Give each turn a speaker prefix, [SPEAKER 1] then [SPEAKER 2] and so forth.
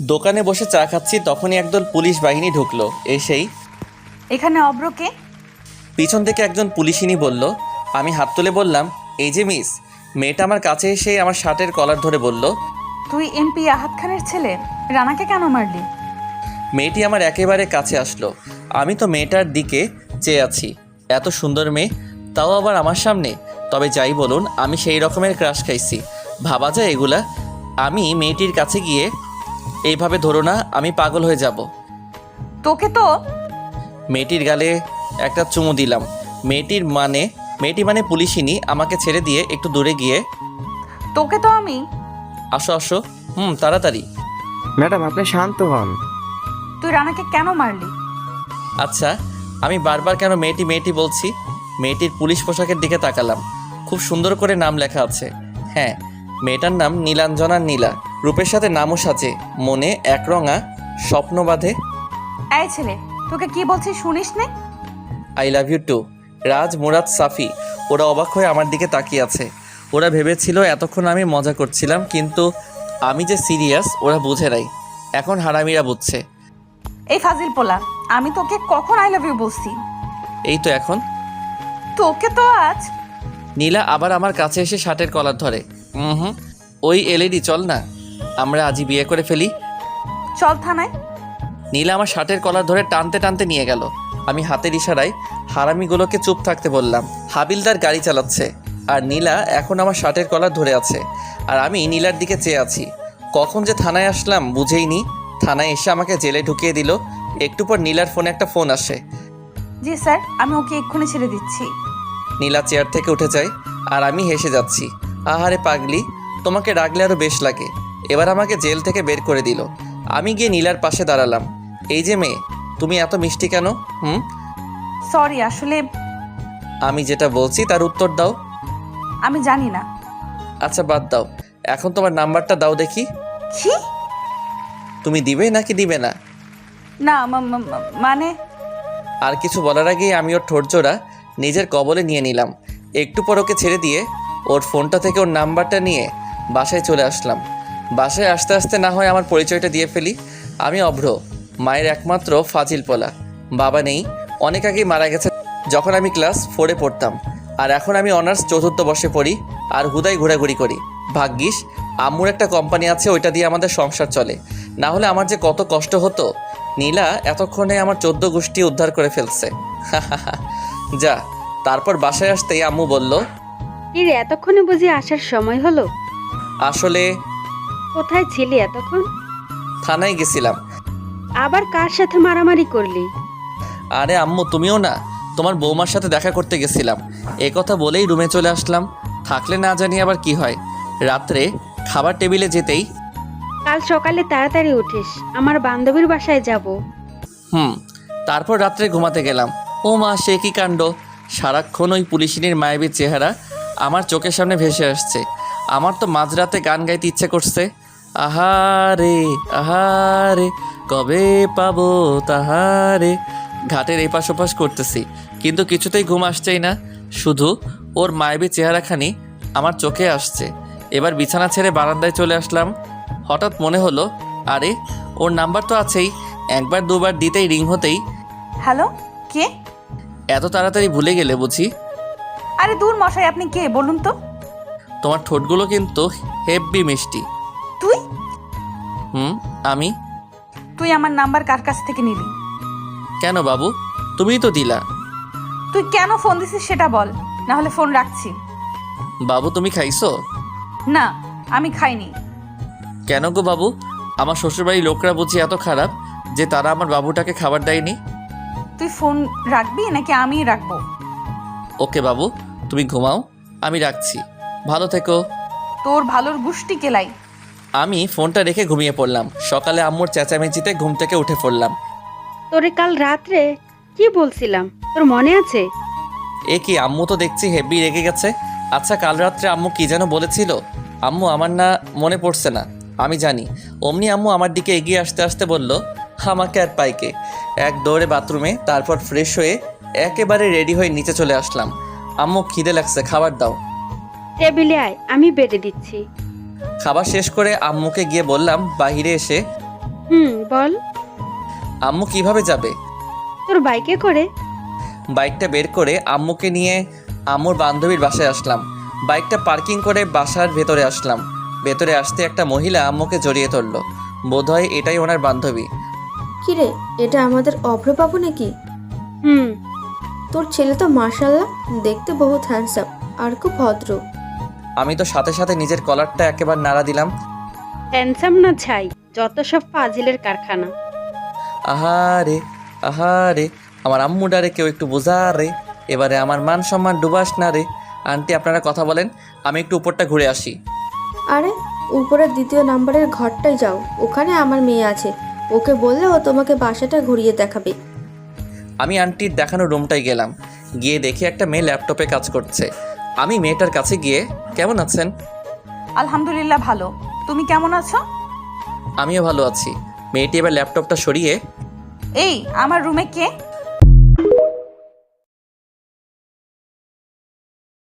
[SPEAKER 1] দোকানে বসে চা খাচ্ছি, তখনই একদল পুলিশ বাহিনী ঢুকলো। এসেই
[SPEAKER 2] এখানে অব্রকে।
[SPEAKER 1] পিছন থেকে একজন পুলিশিনী বলল। আমি হাত তুলে বললাম, এই যে মিস। মেয়েটা আমার কাছে এসে আমার শার্টের কলার ধরে বলল,
[SPEAKER 2] তুই এমপি আহাদ খানের ছেলে, রানাকে কেন মারলি?
[SPEAKER 1] মেয়েটি আমার একেবারে কাছে আসলো। আমি তো মেয়েটার দিকে চেয়ে আছি। এত সুন্দর মেয়ে, তাও আবার আমার সামনে। তবে যাই বলুন, আমি সেই রকমের ক্রাশ খাইছি, ভাবা যায় এগুলা? আমি মেয়েটির কাছে গিয়ে, এইভাবে ধরো না, আমি পাগল হয়ে যাব।
[SPEAKER 2] তোকে তো।
[SPEAKER 1] মেয়েটির গালে একটা চুমু দিলাম। মেয়েটি মানে পুলিশিনী আমাকে ছেড়ে দিয়ে একটু দূরে গিয়ে,
[SPEAKER 2] তোকে তো আমি।
[SPEAKER 1] আসো আসো, তাড়াতাড়ি।
[SPEAKER 3] ম্যাডাম আপনি শান্ত হন।
[SPEAKER 2] তুই রানাকে কেন মারলি?
[SPEAKER 1] আচ্ছা, আমি বারবার কেন মেয়েটি মেয়েটি বলছি? মেয়েটির পুলিশ পোশাকের দিকে তাকালাম। খুব সুন্দর করে নাম লেখা আছে। হ্যাঁ, মেয়েটার নাম নীলাঞ্জনা নীলা। রূপের সাথে নামও সাজে, মনে একরঙা স্বপ্ন বাঁধে।
[SPEAKER 2] এই ছেলে, তোকে কি বলছি শুনিস নে?
[SPEAKER 1] I love you too. Raj, Murad, Safi ওরা অবাক হয়ে আমার দিকে তাকিয়ে আছে। ওরা ভেবেছিল এতক্ষণ আমি মজা করছিলাম, কিন্তু আমি যে সিরিয়াস ওরা বুঝে নাই। এখন হারামিরা বুঝছে।
[SPEAKER 2] এই ফাজিল পোলা, আমি তোকে কখন আই লাভ ইউ বলছি?
[SPEAKER 1] এই তো এখন।
[SPEAKER 2] তোকে তো আজ।
[SPEAKER 1] নীলা আবার আমার কাছে এসে শার্টের কলার ধরে। ওই এলইডি, চল না, আমরা আজই বিয়ে করে ফেলি।
[SPEAKER 2] চল থানায়।
[SPEAKER 1] নীলা আমার শার্টের কলার ধরে টানতে টানতে নিয়ে গেল। আমি হাতের ইশারায় হারামিগুলোকে চুপ থাকতে বললাম। হাবিলদার গাড়ি চালাচ্ছে, আর নীলা এখন আমার শার্টের কলার ধরে আছে, আর আমি নীলার দিকে চেয়ে আছি। কখন যে থানায় আসলাম বুঝেই নি। থানায় এসে আমাকে জেলে ঢুকিয়ে দিল। একটু পর নীলার ফোনে একটা ফোন আসে।
[SPEAKER 2] জি স্যার, আমি ওকে এক্ষুনি ছেড়ে দিচ্ছি।
[SPEAKER 1] নীলা চেয়ার থেকে উঠে যায়, আর আমি হেসে যাচ্ছি। আহারে পাগলি, তোমাকে রাগলে আরও বেশ লাগে। এবার আমাকে জেল থেকে বের করে দিল। আমি গিয়ে নীলার পাশে দাঁড়ালাম। এই যে মেয়ে, তুমি এত মিষ্টি কেন?
[SPEAKER 2] সরি, আসলে
[SPEAKER 1] আমি যেটা বলছি তার উত্তর দাও।
[SPEAKER 2] আমি জানি না।
[SPEAKER 1] আচ্ছা বাদ দাও, এখন তোমার নাম্বারটা দাও দেখি।
[SPEAKER 2] কি?
[SPEAKER 1] তুমি দিবে নাকি দিবে না?
[SPEAKER 2] না মানে।
[SPEAKER 1] আর কিছু বলার আগেই আমি ওর ঠোঁটজোড়া নিজের কবলে নিয়ে নিলাম। একটু পর ওকে ছেড়ে দিয়ে ওর ফোনটা থেকে ওর নাম্বারটা নিয়ে বাসায় চলে আসলাম। বাসায় আসতে আসতে না হয় আমার পরিচয়টা দিয়ে ফেলি। আমি অভ্র, মায়ের একমাত্র ফাজিল পোলা। বাবা নেই, অনেক আগেই মারা গেছে যখন আমি ক্লাস 4-এ পড়তাম। আর এখন আমি অনার্স 4র্থ বর্ষে পড়ি, আর হুদাই ঘোরাঘুরি করি। ভাগ্যিস আম্মুর একটা কোম্পানি আছে, ওইটা দিয়ে আমাদের সংসার চলে। না হলে আমার যে কত কষ্ট হতো। নীলা এতক্ষণে আমার 14 গোষ্ঠী উদ্ধার করে ফেলছে। যা। তারপর বাসায় আসতেই আম্মু বলল,
[SPEAKER 4] এর এতক্ষণে বুঝি আসার সময় হলো?
[SPEAKER 1] আসলে
[SPEAKER 4] কোথায় ছিলি এতক্ষণ?
[SPEAKER 1] থানায় গেছিলাম।
[SPEAKER 4] আবার কার সাথে মারামারি করলি?
[SPEAKER 1] আরে আম্মু, তুমিও না, তোমার বৌমার সাথে দেখা করতে গেছিলাম। এ কথা বলেই রুমে চলে আসলাম। থাকলে না জানি আবার কি হয়। রাত্রে খাবার টেবিলে যেতেই,
[SPEAKER 4] কাল সকালে তাড়াতাড়ি উঠিস, আমার বান্ধবীর বাসায় যাব।
[SPEAKER 1] তারপর রাত্রে ঘুমাতে গেলাম। ও মা, সে কি কাণ্ড! সারাক্ষণ ওই পুলিশিনীর মায়াবীর চেহারা আমার চোখের সামনে ভেসে আসছে। আমার তো মাঝরাতে গান গাইতে ইচ্ছে করছে। আহারে আহারে, কবে পাবো তাহারে। ঘাটের এপাশ ওপাশ করতেছি, কিন্তু কিছুতেই ঘুম আসছেই না। শুধু ওর মায়াবী চেহারাখানি আমার চোখে আসছে। এবার বিছানা ছেড়ে বারান্দায় চলে আসলাম। হঠাৎ মনে হলো, আরে ওর নাম্বার তো আছেই। একবার দুবার দিতেই রিং হতেই।
[SPEAKER 2] হ্যালো, কে?
[SPEAKER 1] এত তাড়াতাড়ি ভুলে গেলে বুঝি?
[SPEAKER 2] আরে দূর মশাই, আপনি কে বলুন তো?
[SPEAKER 1] তোমার ঠোঁটগুলো কিন্তু হেব্বি মিষ্টি।
[SPEAKER 2] তুই?
[SPEAKER 1] আমি?
[SPEAKER 2] তুই আমার নাম্বার কার কাছ থেকে নিলি?
[SPEAKER 1] কেন বাবু, তুমিই তো দিলা।
[SPEAKER 2] তুই কেন ফোন দিছিস সেটা বল, না হলে ফোন রাখছি।
[SPEAKER 1] বাবু তুমি খাইছো?
[SPEAKER 2] না, আমি খাইনি।
[SPEAKER 1] কেন গো বাবু, আমার শ্বশুরবাড়ির লোকরা বুঝি এত খারাপ যে তারা আমার বাবুটাকে খাবার দেয়নি?
[SPEAKER 2] তুই ফোন রাখবি নাকি আমিই রাখবো?
[SPEAKER 1] ওকে বাবু, তুমি ঘুমাও, আমি রাখছি। ভালো থেকো।
[SPEAKER 2] তোর ভালোর গুষ্টি কেলাই।
[SPEAKER 1] আমি ফোনটা রেখে ঘুমিয়ে পড়লাম। সকালে আম্মুর চেঁচামেচিতে ঘুম থেকে উঠে পড়লাম।
[SPEAKER 4] তোরে কাল রাত্রে কি বলছিলাম তোর মনে আছে?
[SPEAKER 1] এ কি, আম্মু তো দেখছি হেব্বি রেগে গেছে। আচ্ছা, কাল রাত্রে আম্মু কি যেন বলেছিল? আম্মু আমার না মনে পড়ছে না, আমি জানি। অমনি আম্মু আমার দিকে এগিয়ে আসতে আসতে বলল, আমাকে আর পাইকে। এক দৌড়ে বাথরুমে, তারপর ফ্রেশ হয়ে একেবারে রেডি হয়ে নিচে চলে আসলাম। আম্মু খিদে লাগছে, খাবার দাও।
[SPEAKER 4] টেবিলে আয়, আমি বেড়ে দিচ্ছি।
[SPEAKER 1] খাবার শেষ করে আম্মুকে গিয়ে বললাম, বাহিরে এসে,
[SPEAKER 4] বল।
[SPEAKER 1] আম্মু কিভাবে যাবে?
[SPEAKER 4] তোর বাইকে করে।
[SPEAKER 1] বাইকটা বের করে আম্মুকে নিয়ে আম্মুর বান্ধবীর বাসায় আসলাম। বাইকটা পার্কিং করে বাসার ভেতরে আসলাম। ভেতরে আসতে একটা মহিলা আম্মুকে জড়িয়ে ধরলো। বোধহয় এটাই ওনার বান্ধবী।
[SPEAKER 5] কিরে, এটা আমাদের অভ্রবাবু নাকি?
[SPEAKER 4] হুম।
[SPEAKER 5] তোর ছেলে তো মাশাআল্লাহ দেখতে বহুত হ্যান্ডসাম আর খুব ভদ্র।
[SPEAKER 1] আমি তো সাথে সাথে নিজের কলারটা একেবারে নাড়া দিলাম।
[SPEAKER 4] হ্যান্ডসাম না ছাই, যত সব ফাজিলের কারখানা।
[SPEAKER 1] আহারে আহারে, আমার আম্মু ডারে কেউ একটু বোঝা রে। এবারে আমার মান সম্মান ডুবাস না রে। আন্টি আপনারা কথা বলেন, আমি একটু উপরটা ঘুরে আসি।
[SPEAKER 5] আরে উপরের 2য় নাম্বারের ঘরটায় যাও, ওখানে আমার মেয়ে আছে, ওকে বললে ও তোমাকে বাসাটা ঘুরিয়ে দেখাবে।
[SPEAKER 1] আমি আন্টির দেখানো রুমটায় গেলাম। গিয়ে দেখি একটা মেয়ে ল্যাপটপে কাজ করছে। আমি মেয়েটার কাছে গিয়ে, কেমন আছেন?
[SPEAKER 2] আলহামদুলিল্লাহ ভালো। তুমি কেমন আছো?
[SPEAKER 1] আমিও ভালো আছি। মেয়েটি এবার ল্যাপটপটা সরিয়ে,
[SPEAKER 2] এই আমার রুমে কে?